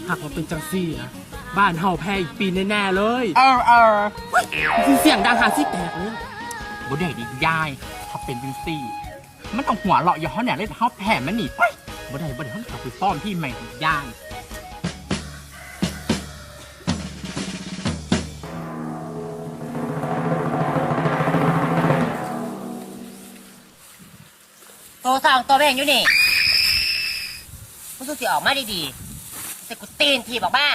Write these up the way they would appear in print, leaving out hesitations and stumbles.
หากว่าเป็นจังซี่นะบ้านเฮาแพ้อีกปีแน่ๆเลย เสียงดังหาซี่แตกเลยบ่ได้ดิยายถ้าเป็นจังซี่มันต้องหัวเราะอย่าเขาเนี่ยเล่นเขาแผ่มันหนีไปบ่ได้เขากลับไปซ่อมที่ใหม่ดิยายตัวสองตัวแบ่งอยู่นี่มึงสู้สิออกมาดีๆแต่กูตีนทีบอกมา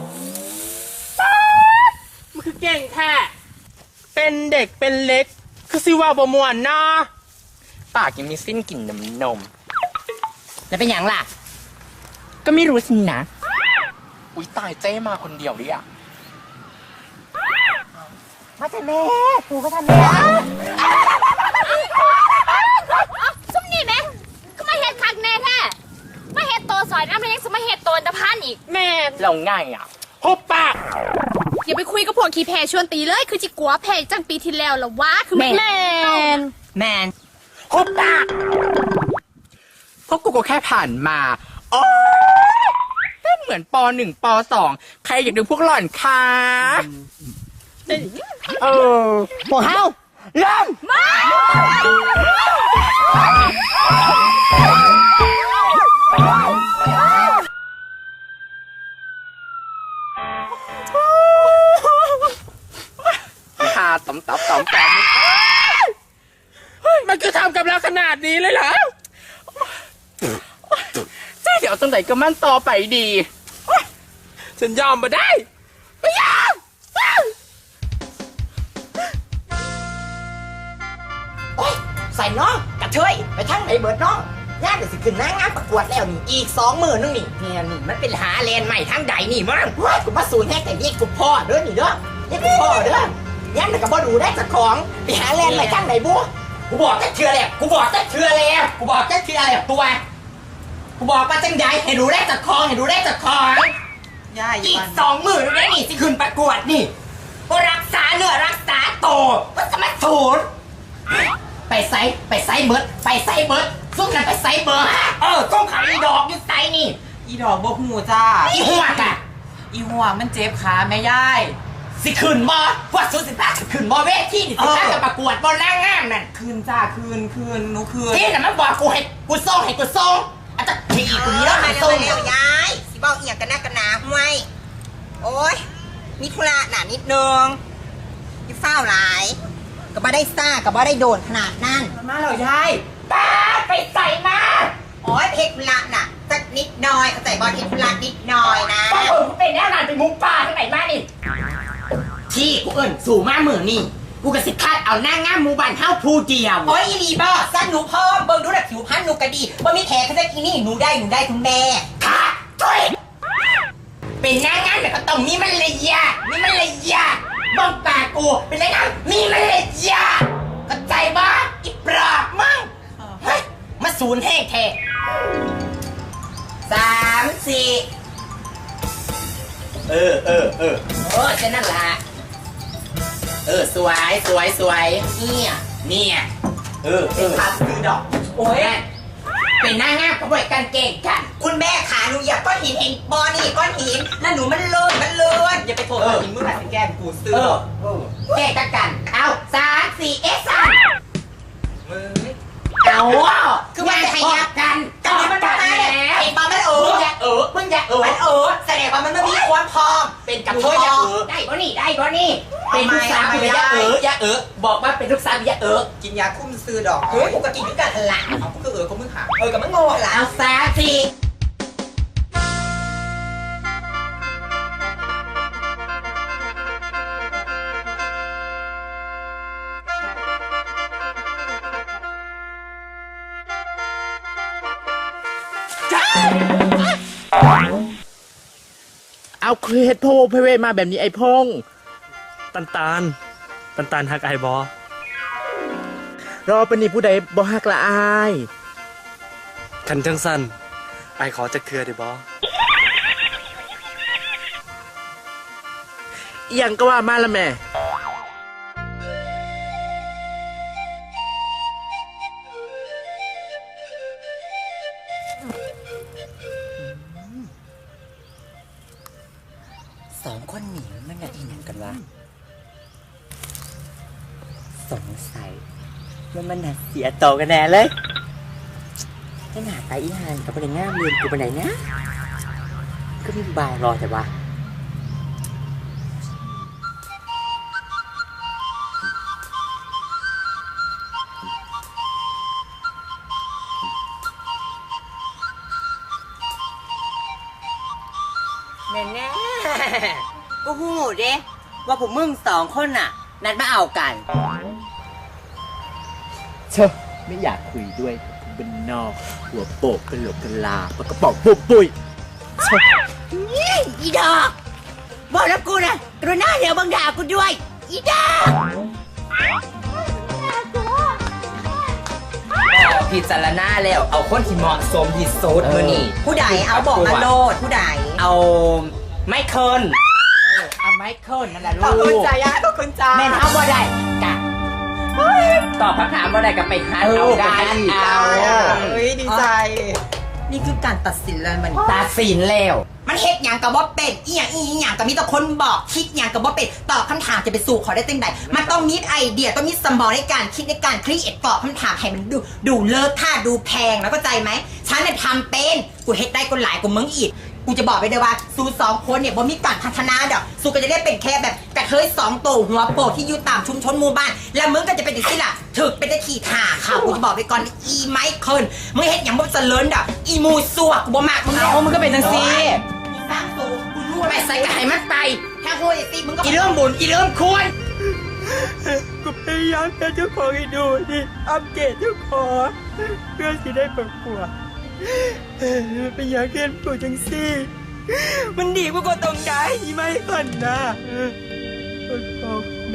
มันคือเก่งแท้เป็นเด็กเป็นเล็ก คือสิว่าบ่ม่วนนะปากยังมีสิ้นกลิ่นนมแล้วเป็นหยังล่ะก็ไม่รู้สินะ อุ๊ยตายเจ้มาคนเดียวดิอ่ะมาแต่แม่กูก็ทำแม่ซุ่มนี่ไหมก็มาเฮ็ดคักแน่แท้มาเฮ็ดโตสอยน้ำแล้วยังสมาเฮ็ดโตนตะพานอีกแม่เราง่ายอ่ะหุบปากอย่าไปคุยกับพวกขี้แพ้ชวนตีเลยคือจิกลัวแพ้จังปีที่แล้วหรอวะคือแม่แมนหุบปากพวกกูก็แค่ผ่านมาโอ้เป็นเหมือนป .1 ป .2 ใครอยากดูพวกหล่อนคะพวกเฮาเริ่มตำตับตำแปมมันคือทำกับเราขนาดนี้เลยเหรอเจ๊เดี๋ยวตรงไหนก็มั่นต่อไปดีฉันยอมมาได้ ไม่ยอมโอ๊ยใส่น้องกระเทยไปทั้งไหนเบิดน้องย่าเดี๋ยวสิขึ้นนางงามประกวดแล้วนี่อีก20,000นึงนี่เนี่ยนี่มันเป็นหาแลนใหม่ทั้งใดนี่มั้งว้ายกูมาสูนแฮกแต่นี่กูพ่อเด้อนี่เด้อนี่กูพ่อเด้อย่าเดี๋ยวก็บ่ดูได้สักของไปหาแลนใหม่ทั้งไหนบัวกูบอกจะเชื่อแล้วกูบอกจะเชื่อแล้วกูบอกจะเชื่อแล้วตัวกูบอกว่าจังใดให้ดูได้สักของให้ดูได้สักของอีก20,000นึงนี่สิขึ้นประกวดนี่ก็รักษาเนื้อรักษาตัวก็จะมาสูนไปไซเบิร์ดไปไซเบิร์ดสู้กันไปไซเบิร์ดต้องขายอีดอกอยู่ไซนี่อีดอกบกหูจ้าอีหัวกะอีหัวมันเจ็บขาแม่ย่ายสิขึ้นบ่พวกสูสิบ้าจะขึ้นบ่เวทีนี่สิบ้าจะประกวดบ่นางงามนั่นคืนจ้าคืนหนูคืนที่น่ะมันบอกกูให้กูส่งอาจจะขี่กูนี้แล้วให้ส่งเร็วๆยายสิบอกเอียงกันหน้ากันหนาห้วยโอ้ยมีธุระหนานิดนึงอยู่เฝ้าหลายก็บ่ได้ซ่าก็บ่ได้โดนขนาดนั้นมาเหรอยายป้าไปใส่มาโอ้ยเพชรธุระน่ะสักนิดหน่อยเข้าใจบ่เพชรธุระนิดหน่อยนะป้าผมเป็นแน่นอนเป็นมุกป้าที่ไหนมานี่ที่กูเอิ้นสู่มามือนี่กูกระสิคาดเอานางงามหมู่บ้านเฮาผู้เดียวโอ้ยอีหลีบ่สั้นหนูเพิ่มเบิ่งดูดักผิวพรรณหนูก็ดีว่ามีแผลเขาจะกินนี่หนูได้คุณแม่ค่ะทุยเป็นนางงามแต่ก็ต้องมีมารยาทบ้องปากกูเป็นนางงามมีมารยาทเข้าใจบ่อีปราบมึงเฮ้ยมาศูนย์แห้งแท้3 4โอ้แค่นั้นล่ะสวยเนี่ยพัดคือดอกโอ้ยเป็นนางงามกับบริการเก่งกันคุณแม่ขาหนูอยากก้อนหินเองบอนี่ก้อนหินแล้วหนูมันเลื่อนอย่าไปโทษหินมึงหน่อยแก้มกูซื้อแก่กันเอา3 4 3เอาคือมันจะให้ยับกันตอนนี้มันมาแล้วไอ้บอมันมึงอย่ามันแสดงว่ามันไม่มีความพร้อมเป็นกับพ่อได้บ่นี่เป็นลูกสาวอย่าบอกว่าเป็นลูกสาวอย่ากินยาคุ้มซื้อดอกเฮ้ยกูก็กินด้วยกันหลังเอากูก็กับมึงหากับมึงโง่หละเอา3 4เอาเคยเฮ็ดโพเพเวมาแบบนี้ไอ้พงตันฮักไอบอรอเป็นนี่ผู้ใดบ่ฮักละอายคันจังสันไอขอจะเคลือได้บออีหยังก็ว่ามาละแม่คนหนีมันน่ะอีหยังกันวะสงสัยว่ามันน่ะเสียโตวกันแน่เลยให้หน้าตาอีหานกับประเด็นง่ามเรียนกูไปไหนนะก็มีบ่าวรอแต่ว่าแน่ๆกูหูเด้ว่าผมมึงสองคนน่ะ นัดมาเอากันเชอะไม่อยากคุยด้วยเป็นนอกหัวโปกกระโหลกกระลาปากกระป๋องปุ้มปุ้ยเชอะอีดอกบอกแล้วกูนะกรุณาเดี๋ยวบังด่ากูด้วยอีดอกพิจารณาแล้วเอาคนที่เหมาะสมที่สุดมือนี่ผู้ใดเอาบอกมาโลดผู้ใดเอาไมเคิลเอาไมเคิลนั่นแหละลูกขอบคุณจ้ายายขอบคุณจ้าแม่นเอาบ่ได้กะตอบคำถามบ่ได้ก็ไปหาเอาได้เอาเฮ้ยดีใจนี่คือการตัดสินแล้วมันตัดสินแล้วมันเฮ็ดหยังกับว่าเป็นอีหยังกับมีแต่คนบอกคิดหยังกับว่าเป็นตอบคำถามจะไปสู่ขอได้ตั้งใดมันต้องมีไอเดียต้องมีสมองในการคิดในการครีเอทตอบคำถามให้มันดูเลิศค่าดูแพงแล้วก็ใจไหมฉันเนี่ยทำเป็นกูเฮ็ดได้ก็หลายกว่ามึงอีกกูจะบอกไปเลยว่าสู้สองคนเนี่ยบ่มีการพัฒนาดอกสู้ก็จะได้เป็นแค่แบบกระเทยสองโตหัวโปกที่อยู่ตามชุมชนหมู่บ้านแล้วมึงก็จะเป็นอย่างที่ล่ะถึกเป็นตะขี่ถ่าค่ะกูจะบอกไปก่อนอีไมเคิลมึงเฮ็ดหยังบ่เจริญดอกอีมูซัวกูบ่มากมึงแล้วมึงก็เป็นจังซี่สร้างตัวกูรู้ไปใส่กระไห้มันไปถ้ากูจะตีมึงก็อีเรื่องบุญอีเรื่องควรกูพยายามเป็นเจ้าของให้ดูดิอัปเกรดเจ้าของเพื่อที่ได้ประกวดไปอยากเรียนผู้จังซี่มันดีกว่าก็ต้องได้ไม่พันนะบอกแม่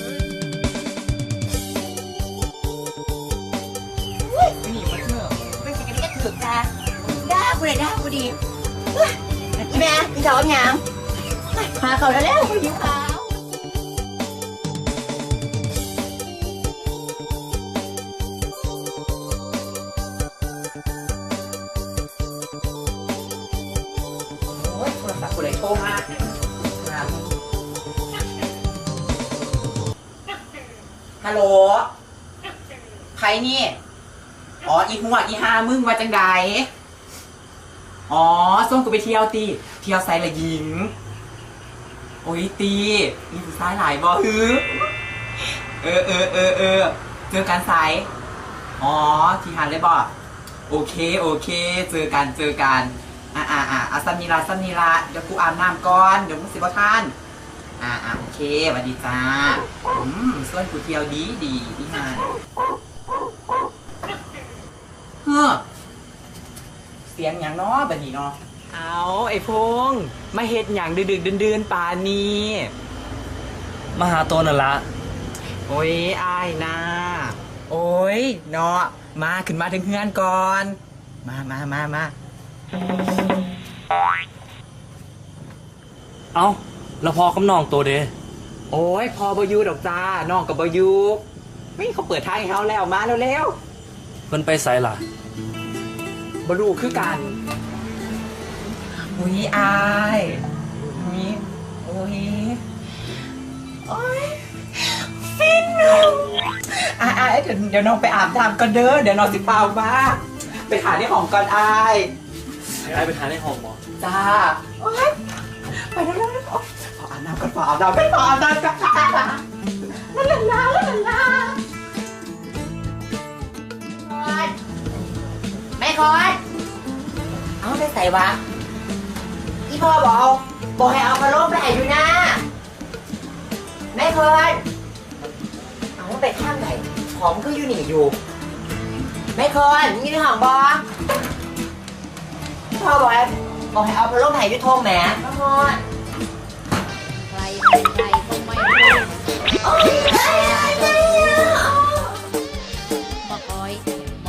ไม่ใช่กันนี่ก็ถึกจ้าด่ากูเลยด่ากูดีอีแม่อีสาวหยังพาเขาแล้วกูหิวข้าวโอ้ยโทรศัพท์กูเลยโทรมาฮัลโหลใครนี่อ๋ออีหัวอีหามึงมาจังใดอ๋อส่งกูไปเที่ยวตีเที่ยวไซละหญิงโอ้ยตีมีผู้ชายหลายบ่ฮือเออเจอกันไซอ๋อที่หันเลยบ่โอเคเจอกันอาซันนีลาเดี๋ยวกูอาบน้ำก่อนเดี๋ยวมึงสิบ่ท่านโอเคสวัสดีจ้าส่วนกูเที่ยวดีที่หันเฮ้อเสียงอย่างน้อแบบนี้เนาะเอาไอ้พงษ์มาเฮ็ดหยังดึกๆเดือนๆป่านนี้มาหาตัวนั่นละโอ้ยอ้ายนะโอ้ยเนาะมาขึ้นมาถึงเฮือนก่อนมาเอ้าแล้วพอกำนองตัวเด้โอ้ยพอบอยูดอกจ้าน้องกับบอยูไม่เขาเปิดทางให้เขาแล้วมาเร็วมันไปไสล่ะๆบรูคือกันอุ้ยอายอุ้ยโอ้ยฟินอายเดี๋ยวน้องไปอาบน้ำก่อนเด้อเดี๋ยวน้องสิเปล่ามาไปหาที่ห้องก่อนอายไอ้ไปหาในห้องหมอจ้าโอ๊ยไปแล้วขออาบน้ำก่อนขออาบน้ำก่อนลาแม่คอนเอาไปใส่วะอีพ่อบอกให้เอามาลบไปอยู่นะแม่คอนเอาไปข้างไหนของก็อยู่นี่อยู่แม่คอนมีในห้องบอพ่อบอกให้เอาพัดลมให้ยุทงแหมแม่คอนใครเป็นใครก็ไม่รู้โอ้ย